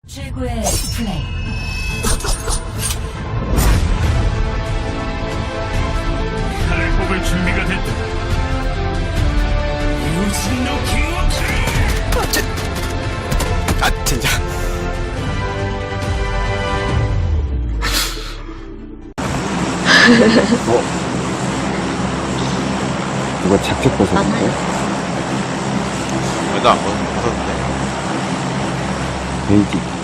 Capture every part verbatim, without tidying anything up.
최고의 플레이. 칼을 뽑을 준비가 됐다. 유진노 기워크! 아 진짜 어? 누가 자켓 벗었는데? 왜나 안 벗었는데. 베이지.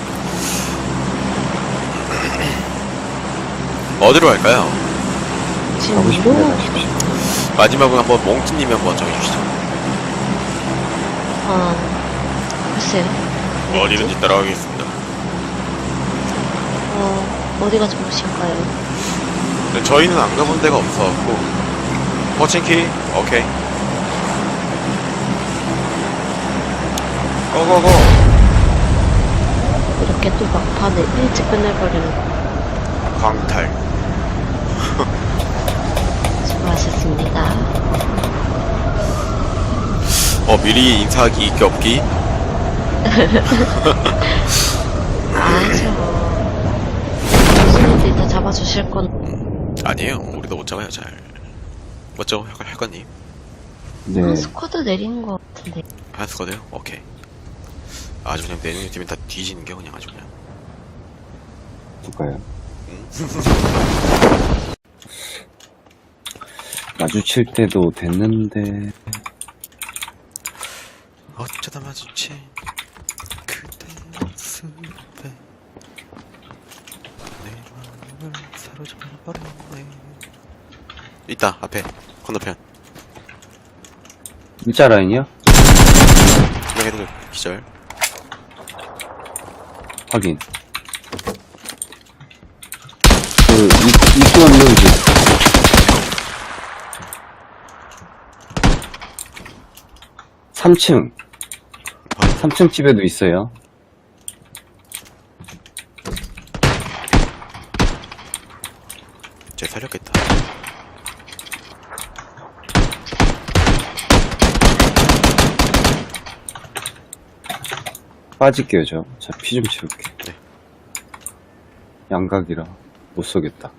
어디로 갈까요? 가고 싶은 데 가십시오. 마지막으로 한번 몽키님이 한번 정해주시죠. 어, 글쎄요. 어디든지 따라가겠습니다. 어, 어디가 좋으신가요? 근데 저희는 안 가본 데가 없어갖고. 포칭키 오케이. 고고고. 이렇게 또 막판에 일찍 끝내버리는 거. 광탈. 수고하셨습니다. 어 미리 인사하기 있기 없기. 아죠. 교수님들이 다 잡아주실 건. 아니에요. 우리도 못 잡아요 잘. 맞죠 할- 할거님? 네. 한 스쿼드 내리는 것 같은데. 한스거든요. 오케이. 아주 그냥 내년 팀은 다 뒤지는 게 그냥 아주 그냥. 누가요? 마주칠 때도 됐는데. 어쩌다 마주친 그대 모습에 내 마음을 사로잡아버렸네. 있다 앞에 건너편. 일자 라인이요? 그냥 해도 기절. 확인. 그, 이, 입구 없는 집. 삼 층. 삼 층 집에도 있어요. 쟤 살렸겠다. 빠질게요, 저. 자, 피 좀 채울게. 네. 양각이라 못 쏘겠다.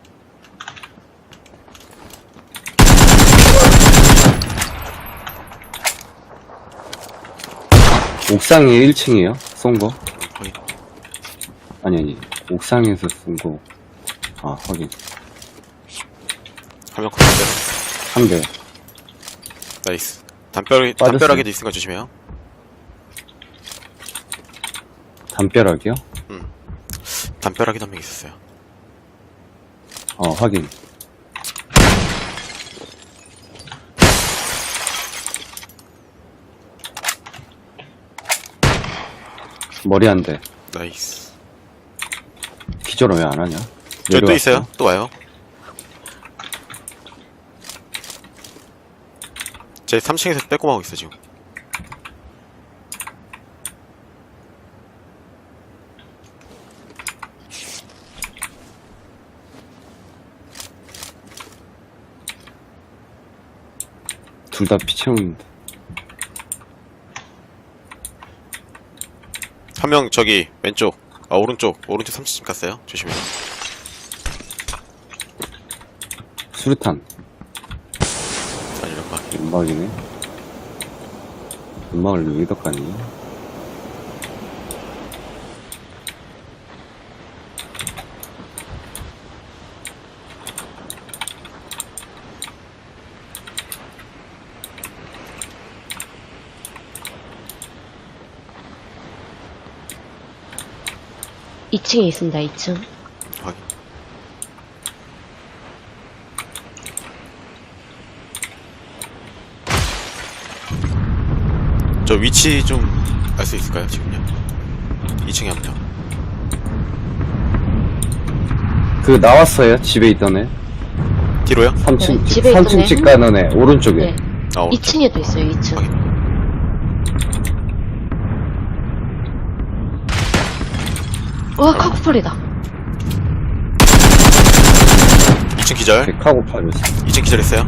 옥상에 일 층이에요? 쏜 거? 확인. 아니, 아니. 옥상에서 쏜 거. 아, 확인. 한명 컷인데. 한 대. 나이스. 담벼락이, 빠졌어요. 담벼락에도 있으니까 조심해요. 담벼락이요? 담벼락에도 한 명 있었어요. 어, 확인. 머리 한 대. 나이스. 기절은 왜 안 하냐? 저기 또 내려왔어. 있어요. 또 와요. 제 삼 층에서 빼꼼하고 있어 지금. 둘 다 피 채우는데. 한 명 저기 왼쪽. 아 오른쪽. 오른쪽 삼 층 갔어요. 조심해요. 수류탄. 아니 연막. 연막이네. 연막을 여기다 까니? 이 층에 있습니다, 이 층. 확인. 저 위치 좀 알 수 있을까요 지금요? 이 층에 한 명. 그, 나왔어요. 집에 있던 애. 뒤로요? 삼 층, 네, 집, 집에 삼 있던 층 애. 집 가는 애. 오른쪽에. 네. 아 오른쪽. 이 층에도 있어요, 이 층. 확인. 와, 카쿠팔이다. 이 층 기절. 백하고 팔이었어. 이 층 기절했어요.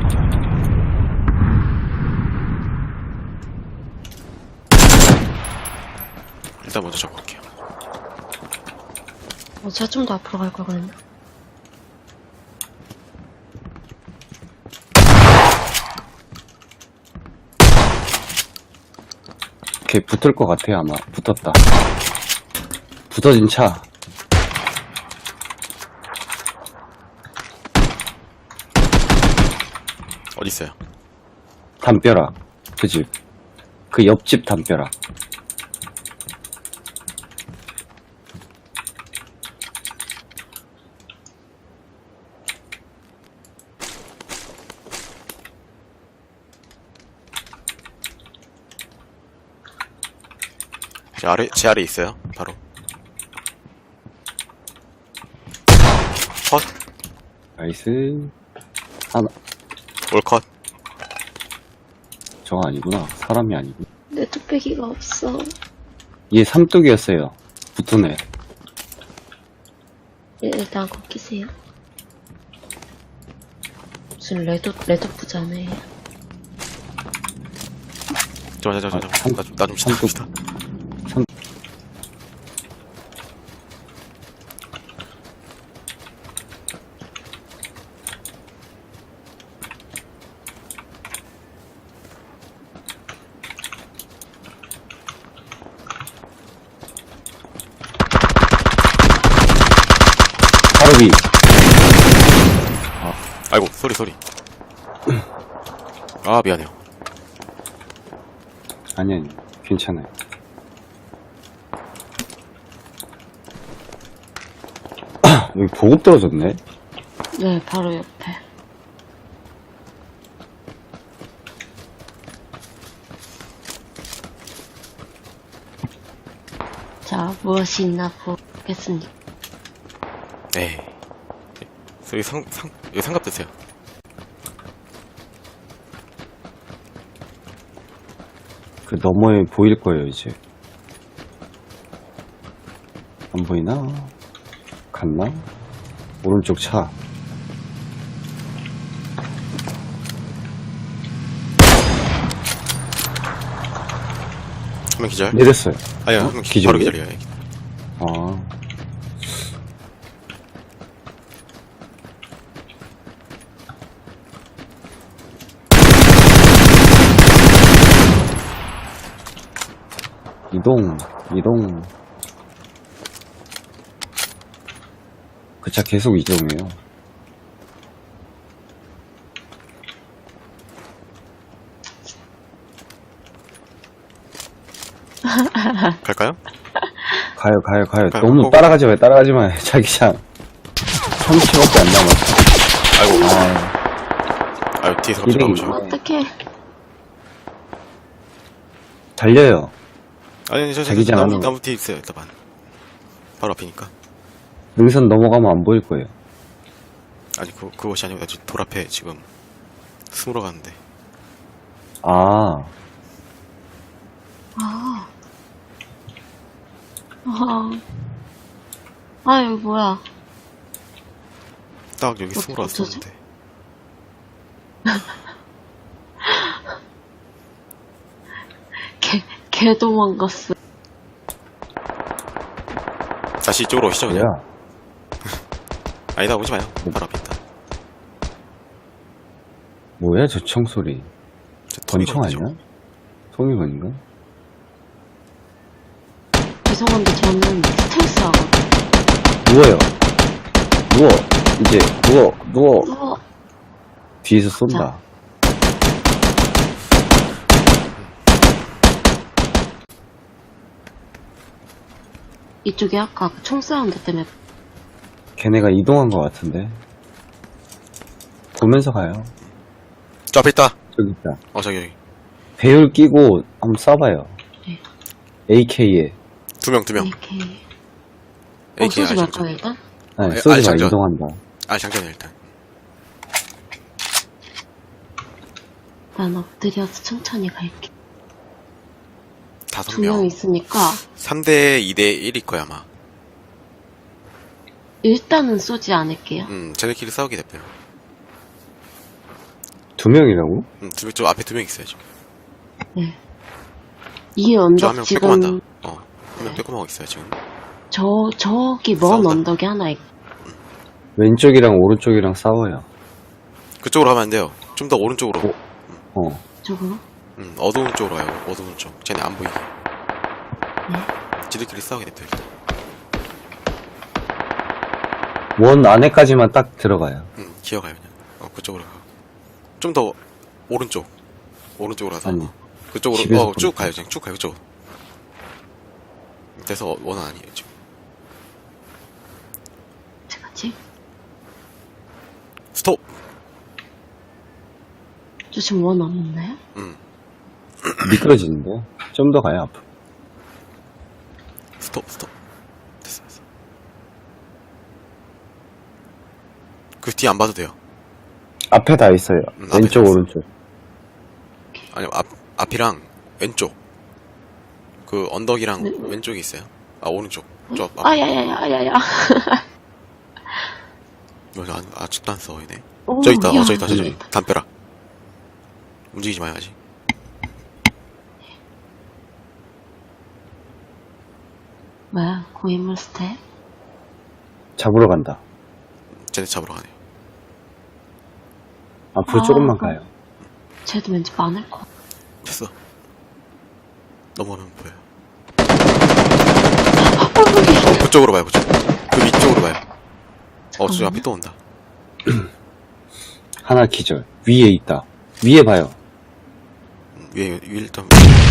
일단 먼저 잡고 갈게요. 어, 제가 좀 더 앞으로 갈 걸 그랬나? 걔 붙을 것 같아요, 아마. 붙었다. 붙어진 차. 어디 있어요? 담벼락. 그 집. 그 옆집 담벼락. 제 아래 제 아래 있어요. 바로. 컷. 나이스. 하나. 올컷. 저거 아니구나. 사람이 아니고. 내 뚝배기가 없어. 얘 삼뚝이었어요. 붙은 애. 예, 일단 걷기세요. 무슨 레드, 레드 부자네. 잠깐만, 잠깐만, 아, 잠깐만. 나 좀 지나갑시다. 삼, 바로 위. 아이고, 소리, 소리. 아, 미안해요. 아니, 아니. 괜찮아요. 여기 보급 떨어졌네? 네, 바로 옆에. 자, 무엇이 있나 보겠습니다. 에이. 소리 상, 상, 이거 상갑 드세요. 그 너머에 보일 거예요, 이제. 안 보이나? 갔나? 오른쪽 차. 한 명 기절? 내렸어요. 아니요, 어? 한 명 기, 기절이요? 바로 기절이에요. 아. 이동, 이동. 그 차 계속 이동해요. 갈까요? 가요, 가요, 가요. 가요, 너무 가고. 따라가지 마요, 따라가지 마요. 자기장. 삼십 초밖에 안 남았어. 아이고, 아, 아유, 뒤에서 갑자기 이름이- 나오셔. 어떡해. 달려요. 아니, 아니, 저, 저, 저, 자기장 나무, 안으로. 나무 뒤에 있어요, 일단. 바로 앞이니까. 능선 넘어가면 안 보일 거예요. 아니, 그, 그것이 아니고, 나 지금 돌 앞에 지금 숨으러 가는데. 아, 아. 아. 아, 이거 뭐야. 딱 여기 어, 숨으러 어쩌지? 왔었는데. 개, 개 도망갔어. 다시 이쪽으로 오시죠, 그냥. 뭐야? 아니다, 오지 마요. 바로 앞에 있다. 뭐야, 저 청소리. 저 권총 토미건이죠. 아니야? 소미건인가? 죄송한데 저는 스텔스 하거든요. 누워요. 누워. 이제, 누워, 누워. 우와. 뒤에서 쏜다. 이쪽에 아까 그 총 사운드 때문에 걔네가 이동한 것 같은데. 보면서 가요. 저 앞에 있다. 저기 있다. 어, 저기, 여기. 배율 끼고 한번 쏴봐요. 네. 에이케이에. 두 명, 두 명. 이렇게 어, 에이케이 쏘지 말 장전. 거야 일단? 네, 아, 쏘지 마, 장전. 이동한다. 아, 장전이야, 일단. 난 엎드려서 천천히 갈게. 다섯 두 명 명. 있으니까 삼 대 이 대 일일 거야, 아마. 일단은 쏘지 않을게요. 음, 쟤네끼리 싸우게 됐대요. 두 명이라고? 음, 두 명, 저 앞에 두 명 있어요, 지금. 네. 이 저 언덕 한 명 지금 빼꼼한다. 어, 한 명 빼꼼하고 있어요, 지금. 저, 저기 먼 싸운다. 언덕이 하나 있, 왼쪽이랑 오른쪽이랑 싸워요. 그쪽으로 가면 안 돼요. 좀 더 오른쪽으로. 어. 어. 쪽으로? 음, 어두운 쪽으로 와요. 어두운 쪽. 쟤네 안 보이게. 네. 지들끼리 싸우게 냅둬 일단. 원 안에까지만 딱 들어가요. 음, 기어가요 그냥. 어, 그쪽으로 가. 좀 더 오른쪽. 오른쪽으로 가서. 아니. 그쪽으로 집에서 어, 쭉 보니까. 가요. 그냥 쭉 가요. 그쪽. 그래서 원은 아니에요 지금. 제가 지 스톱. 저 지금 원 남았나요? 음, 미끄러지는데? 좀 더 가요, 앞으로. 스톱 스톱. 됐어 됐어. 그 뒤 안 봐도 돼요. 앞에 다 있어요. 음, 앞에 왼쪽, 다 있어. 오른쪽. 아니요 앞 앞이랑 왼쪽. 그 언덕이랑 네. 왼쪽에 있어요. 아 오른쪽. 저 앞. 아, 야, 야, 야, 야, 야. 이거 안, 아직도 안 써, 얘네. 오, 저기 있다, 야, 어, 저기 있다, 저기 저기 있다. 담벼락. 움직이지 마요, 아직. 뭐야, 고인물 스텝? 잡으러 간다. 쟤네 잡으러 가네요. 앞으로 아, 조금만 그럼- 가요. 쟤도 왠지 많을 것 같아. 됐어. 넘어가면 보여요. 어, 그쪽으로 봐요, 그쪽. 그 위쪽으로 봐요. 어, 저 앞에 또 온다. 하나 기절. 위에 있다. 위에 봐요. 음, 위에, 위에 일단.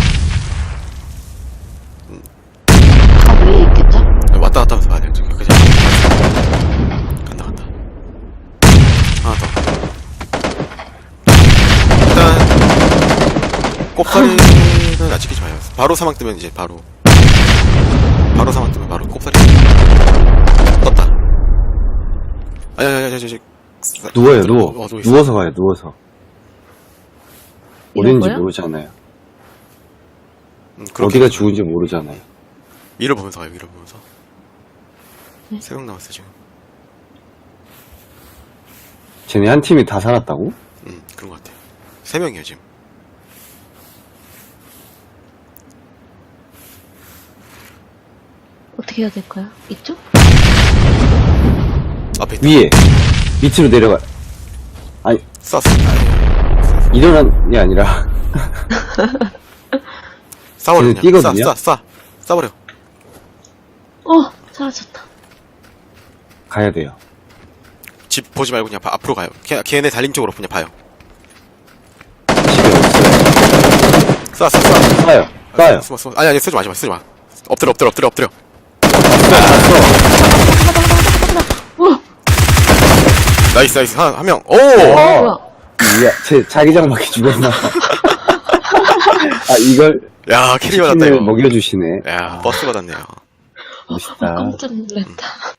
아, 위에 있겠죠? 왔다 갔다 하면서 봐야 돼요, 저기. 그죠? 간다, 간다. 하나 더. 일단, 꼽사리는 아직 지키지 마요. 바로 사망 뜨면 이제 바로. 바로 사망 뜨면 바로 꼽사리. 떴다. 아니, 아니, 아니, 아니, 아니. 누워요, 누워. 어, 누워 있어. 누워서 가요, 누워서. 이런 어딘지 거요? 모르잖아요. 음, 그렇게 어디가 해서 죽은지 모르잖아요. 위를 보면서 가요, 위를 보면서. 네. 세 명 남았어, 지금. 쟤네 한 팀이 다 살았다고? 음, 그런 것 같아요. 세 명이에요, 지금. 어떻게 해야 될까요? 이쪽? 앞에 있다. 위에. 밑으로 내려가. 아니, 쐈어. 아니, 일어난이 아니라. 싸워요, 쟤네 그냥. 뛰거든요? 쏴, 쏴, 쏴. 쏴버려. 어, 사라졌다. 가야 돼요. 집 보지 말고 그냥 바- 앞으로 가요. 걔, 걔네 달림 쪽으로 그냥 봐요. 집에 없어요. 쏴, 쏴, 쏴. 쏴요. 쏴요. 숨어, 숨어. 아니, 아니, 쓰지 마, 쓰지 마, 쓰지 마. 엎드려, 엎드려, 엎드려, 엎드려. 나이스, 나이스. 한, 한 명. 오! 어, 뭐야? 이야, 제 자기장 맞게 죽었나. 아, 이걸 야, 캐리 받았다, 치킨을 이거. 먹여주시네. 야, 버스 받았네요. 멋있다. 깜짝 놀랐다.